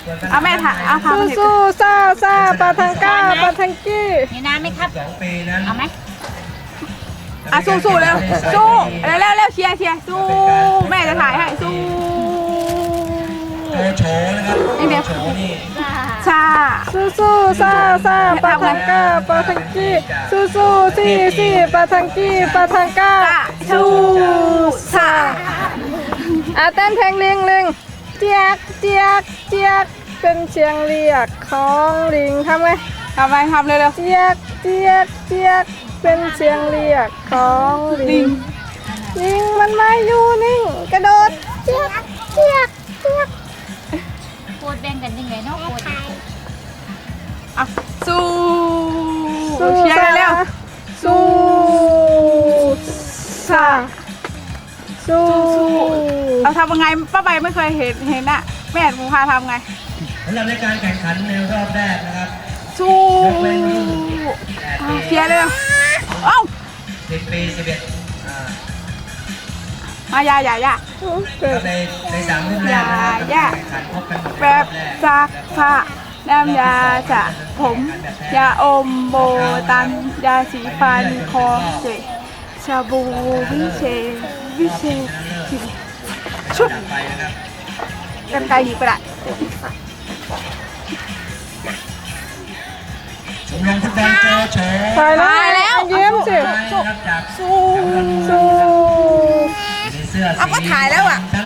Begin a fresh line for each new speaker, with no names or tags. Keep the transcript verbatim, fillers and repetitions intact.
เอาแม่ถ่ายเอาทำ
สู้
ให้
สู้ซาซาปาทังก้าปาทังกี้
มีน้ำไหมครับ
สองปีนั้น
เอาไหม
อ่ะสู้สู้เร็วสู้เร็วเร็วเร็วเชียร์เชียร์สู้แม่จะถ่ายให้สู้
โชว์โชว์นะครับ
นี่เดี๋ยว
โชว์นี่
ชา
สู้สู้ซาซาปาทังก้าปาทังกี้สู้สู้ซี่ซี่ปาทังกี้ปาทังก้าสู้
ชา
อ่ะเต้นเพลงลิงลิงเจียกเจียกเจียกเป็นเสียงเรียกของลิงทำไง
ทำไมทำเร็วเร็ว
เจียกเจียกเจียกเป็นเสียงเรียกของลิงลิงมันไม่อยู่นิ่งกระโดดเจียกเจียกเจียก
โคตรแบ่งกันยังไงเนาะโคตร
อ่ะสู้
สู้
เชียร์เร็ว
สู้ซาสู้
เราทำยังไงป้าใบไม่เคยเห็นเห็นอะแม่ภูพาทำไง
สำหรับในการแข่งขันในรอบแรกนะครับ
สู้อ่ะเชียร์เร็วเอ้า
สิบปีสิบเอ็ดอ่าม
ายายายา
เกิด
ในในสามรุ่นแรกนะครับ
อย่า
แข่งขันพบกันหมดใน
แบ
รอ
บบ
แรก
ซักผ้าน้ำยาสระผมยาอมโบตันยาสีฟันคอเจชาบูวิเชษวิเชษชุบ
ดับไปนะครับ
กันไกลหยิบกระดาษ
ชมรมฟุตบอลโจโฉ
ตายแล้วเยี่ยมสิ
นะครับจาก
สู้
สู้
ในเสื้อสี
เอาก็ถ่ายแล้วอะ